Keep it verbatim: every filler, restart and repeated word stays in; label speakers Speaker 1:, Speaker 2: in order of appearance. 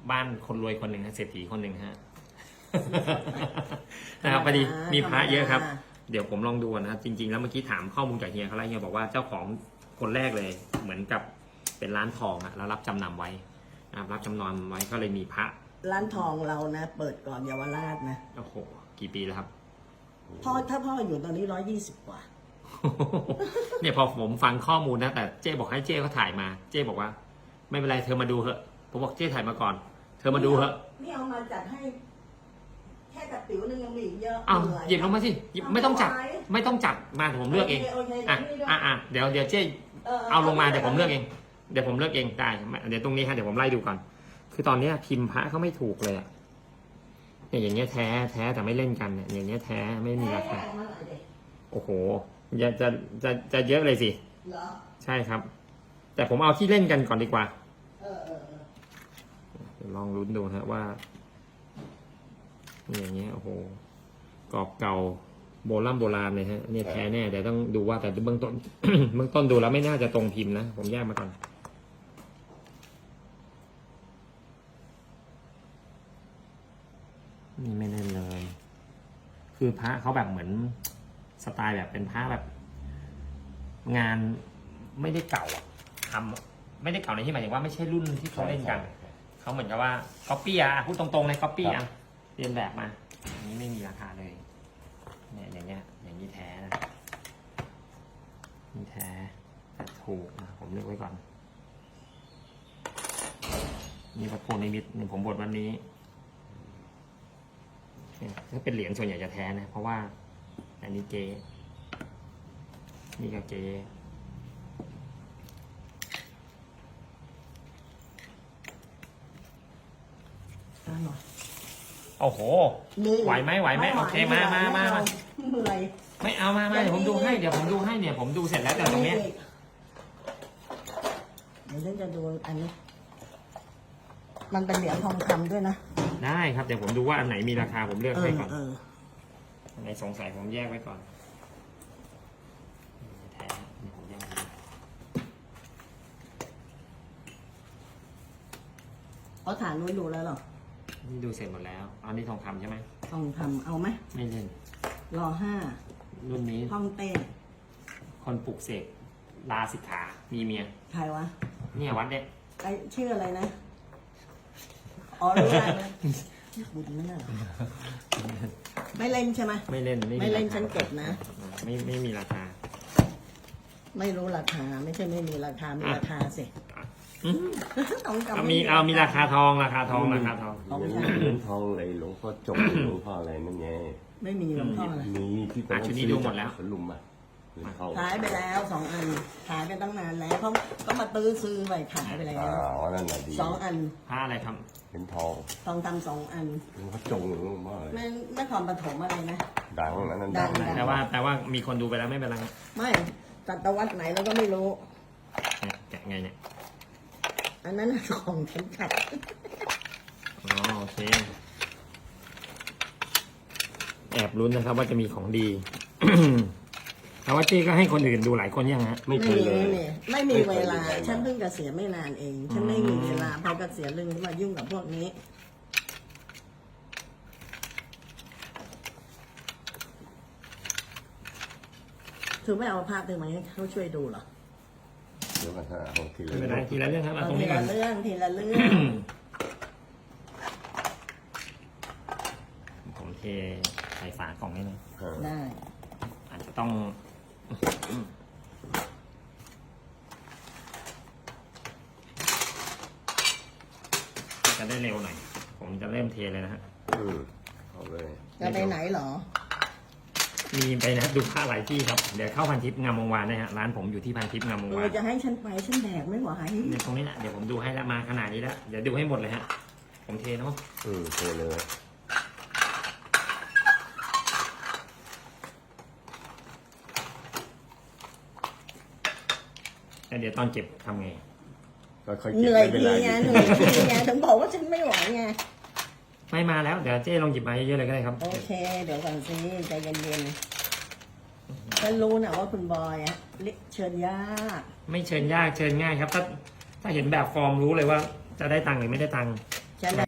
Speaker 1: บ้านคนรวยคนหนึ่งฮะเศรษฐีคนหนึ่งฮะ นะครับพอดีมีพระเยอะครับเดี๋ยวผมลองดูนะครับจริงๆแล้วเมื่อกี้ถามข้อมูลจากเฮียเขาแล้วเฮียบอกว่าเจ้าของคนแรกเลยเหมือนกับเป็นร้านทองอะแล้วรับจำนำไว้นะครับรับจำนำไว้ก็เลยมีพระ
Speaker 2: ร้านทองเรานะ เปิดก่อนเยาวราชนะ
Speaker 1: โอ้โหกี่ปีแล้วครับ
Speaker 2: พ่อถ้าพ่ออยู่ตอนนี้ร้อยยี่สิบกว่า
Speaker 1: เนี่ยพอผมฟังข้อมูลนะแต่เจ๊บอกให้เจ๊เขาถ่ายมา เจ๊บอกว่า ไม่เป็นไรเธอมาดูเถอะผมบอกเจ๊ถ่ายมาก่อน เธอมาดูเถอะ
Speaker 2: นี่เอามาจัดให้ แค่กับติ๋วนึงยังมีอีกเยอะ
Speaker 1: อ้าว
Speaker 2: เหนื่อย
Speaker 1: หยิบลงมาสิหยิบไม่ต้องจัด ไม่ต้องจัดมาเดี๋ยวผมเลือกเอง
Speaker 2: โอเค
Speaker 1: อ่ะ
Speaker 2: โอเค
Speaker 1: อ่ะอ่ะเดี๋ยวเดี๋ยวเจ๊เอาลงมาเดี๋ยวผมเลือกเองเดี๋ยวผมเลือกเองได้เดี๋ยวตรงนี้ฮะเดี๋ยวผมไล่ดูก่อนคือตอนเนี้ยพิมพ์พระเขาไม่ถูกเลยอะเนี่ยอย่างเงี้ยแท้แท้แต่ไม่เล่นกันเนี่ยอย่างเงี้ยแท้ไม่มีราคา
Speaker 2: แม่เอามาหน่อยดิ
Speaker 1: โอ้โหจะจะจะจะเยอะเลยสิ
Speaker 2: เหรอ
Speaker 1: ใช่ครับ แต่ผมเอาที่เล่นกันก่อนดีกว่า
Speaker 2: เออเออเออ
Speaker 1: เดี๋ยวลองลุ้นดูนะว่านี่อย่างเงี้ยโอ้โหกรอบเก่าโบราณโบราณเลยฮะเนี่ยแท้แน่แต่ต้องดูว่าแต่เบื้องต้น เบื้องต้นดูแล้วไม่น่าจะตรงพิมพ์นะผมแยกมาก่อนนี่ไม่เล่นเลย คือพระเขาแบบเหมือนสไตล์แบบเป็นพระแบบ งานไม่ได้เก่าอะทำไม่ได้เก่าในที่หมายถึงว่าไม่ใช่รุ่นที่เขาเล่นกันเขาเหมือนกับว่าก๊อปปี้อะพูดตรงๆเลยก๊อปปี้อะเรียนแบบมาอันนี้ไม่มีราคาเลยเนี่ยอย่างเงี้ยอย่างนี้แท้นะนี่แท้แต่ถูกนะผมเลือกไว้ก่อนนี่พระโพนิมิตหนึ่งผมบทวันนี้เนี่ยถ้าเป็นเหรียญส่วนใหญ่จะแท้นะเพราะว่าอันนี้เจนี่ก็เจ
Speaker 2: เอาหน่อย
Speaker 1: โอ้โห ไหวไหมไหวไหมโอเคมามามามา
Speaker 2: เหนื่อย
Speaker 1: ไม่เอามามาเดี๋ยวผมดูให้เดี๋ยวผมดูให้เนี่ยผมดูเสร็จแล้วแต่ตรงเนี้ย
Speaker 2: เดี๋ยวฉันจะดูอันนี้ มันเป็นเหรียญทองคำด้วยนะ
Speaker 1: ได้ครับเดี๋ยวผมดูว่าอันไหนมีราคาผมเลือก
Speaker 2: เอ
Speaker 1: ให้
Speaker 2: อ
Speaker 1: ก่อน
Speaker 2: เออ
Speaker 1: อันไหนสงสัยผมแยกไว้ก่อนแท้นี่ผมแยกไว้
Speaker 2: เขาฐานนู้นดูแล้วเหรอ
Speaker 1: นี่ดูเสร็จหมดแล้วอันนี้ทองคำใช่ไหม
Speaker 2: ทองคำเอาไหม
Speaker 1: ไม่เล่น
Speaker 2: รอห้า
Speaker 1: รุ่นนี้
Speaker 2: ห้องเต้
Speaker 1: คนปลุกเสกลาสิกขามีเมีย
Speaker 2: ใครวะ
Speaker 1: เนี่ยวัดเนี่ย
Speaker 2: ไอชื่ออะไรนะ อ๋อรู้ได้เลยบุญนั่นน่ะเหรอไม่เล่นใช่ไหม
Speaker 1: ไม่เล่น
Speaker 2: ไม่เล่น
Speaker 1: ราคา
Speaker 2: ฉันเก็บนะ
Speaker 1: ไม่ไม่มีราคา
Speaker 2: ไม่รู้ราคา ไม่ใช่ไม่มีราคา มีราคาสิ
Speaker 1: อืม
Speaker 2: ทองคำ
Speaker 1: เอามีเอามีราคาทองราคาทองราคาทอง
Speaker 2: ทอง
Speaker 3: เหรี
Speaker 2: ค
Speaker 3: ยญทองอะไรหลวงพ่อจงหลวงพ่ออะไรนั่นไง
Speaker 2: ำไม่มีหลวงพ่ออะไร
Speaker 3: มีที่ตอน
Speaker 1: อ่ะชุดนี้ดูหมดแล้ว
Speaker 3: สลุมอ่ะเหรียญทอง
Speaker 2: ขายไปแล้วสองอัน ขายไปตั้งนานแล้วเขาก็มาตื้อซื้อไปขายไปแล้ว
Speaker 3: อ่านั่นแหละดี
Speaker 2: สองอัน
Speaker 1: ผ้าอะไรครับ
Speaker 3: เหรียญทอง
Speaker 2: ทองคำสองอัน
Speaker 3: หลวงพ่อจงหลวงพ่ออะไร
Speaker 2: ไม่ไม่คอมปฐมอะไรนะ
Speaker 3: ดังนะนั่น
Speaker 2: ดั
Speaker 3: ดั
Speaker 2: ง
Speaker 3: ง
Speaker 1: แต่ว่าแต่ว่ามีคนดูไปแล้วไม่เป็นไรครับ
Speaker 2: ไม่ตัตวัดไหนเราก็ไม่รู้
Speaker 1: เนี่ยแกะไงเนี่ย
Speaker 2: อันนั้นของเข็มขัด
Speaker 1: อ๋อโอเคแอบลุ้นนะครับว่าจะมีของดี แต่ว่าเจ๊ก็ให้คนอื่นดูหลายคนยังฮะ
Speaker 3: ไม่เคยเลย
Speaker 2: ไม่มีไม่มีเวลา ฉันเพิ่งเกษียณไม่นานเอง ฉันไม่มีเวลาพอเกษียณเรื่องมายุ่งกับพวกนี้ คือไม่เอาภาพเธอมาให้เขาช่วยดูเหรอ
Speaker 3: เดี๋ยวกันฮะเอาทีละ
Speaker 1: ไม่เป็นไรทีละเรื่องครับเอาตรง
Speaker 2: ที
Speaker 1: นี้ก่อ
Speaker 2: ละ
Speaker 1: น
Speaker 2: เรื่องทีละเรื่อง
Speaker 1: ผมเทใส่ฝากล่องให้หน่อย
Speaker 3: เออ
Speaker 2: ได้
Speaker 1: อาจจะต้องจะได้เร็วหน่อย ผมจะเริ่มเทเลยนะฮะ
Speaker 3: อืมเอาเลย
Speaker 2: จะไปไหนเหรอ
Speaker 1: มีไปนะดูผ้าหลายที่ครับเดี๋ยวเข้าพันทิพย์งามวงวานนะฮะร้านผมอยู่ที่พันทิพย์งามวง
Speaker 2: เอ
Speaker 1: วา
Speaker 2: อน จะให้ฉันไปฉันแบกไม่ไหว
Speaker 1: เนี่ยตรงนี้แหละเดี๋ยวผมดูให้แล้วมาขนาดนี้แล้วเดี๋ยวดูให้หมดเลยฮะผมเทเนาะ
Speaker 3: อืมเทเลย
Speaker 1: แล้วเดี๋ยวตอนเก็บทำไง
Speaker 3: ก็ค่อย
Speaker 2: เห
Speaker 3: เก็บ
Speaker 2: นื่อย
Speaker 3: ไม่เป็น
Speaker 2: ที
Speaker 3: ไร
Speaker 2: ไงเหนื่อยทีไงถึงบอกว่าฉันไม่ไหวไง
Speaker 1: ไม่มาแล้วเดี๋ยวเจ๊ลองหยิบมาเยอะๆเลยก็ได้ครับ
Speaker 2: โอเค เดี๋ยวก่อนสิใจเย็นๆฉันรู้นะว่าคุณบอยอะเชิญยาก
Speaker 1: ไม่เชิญยากเชิญง่ายครับ ถ้าถ้าเห็นแบบฟอร์มรู้เลยว่าจะได้ตังค์หรือไม่ได้ตังค์
Speaker 2: ใช้แรง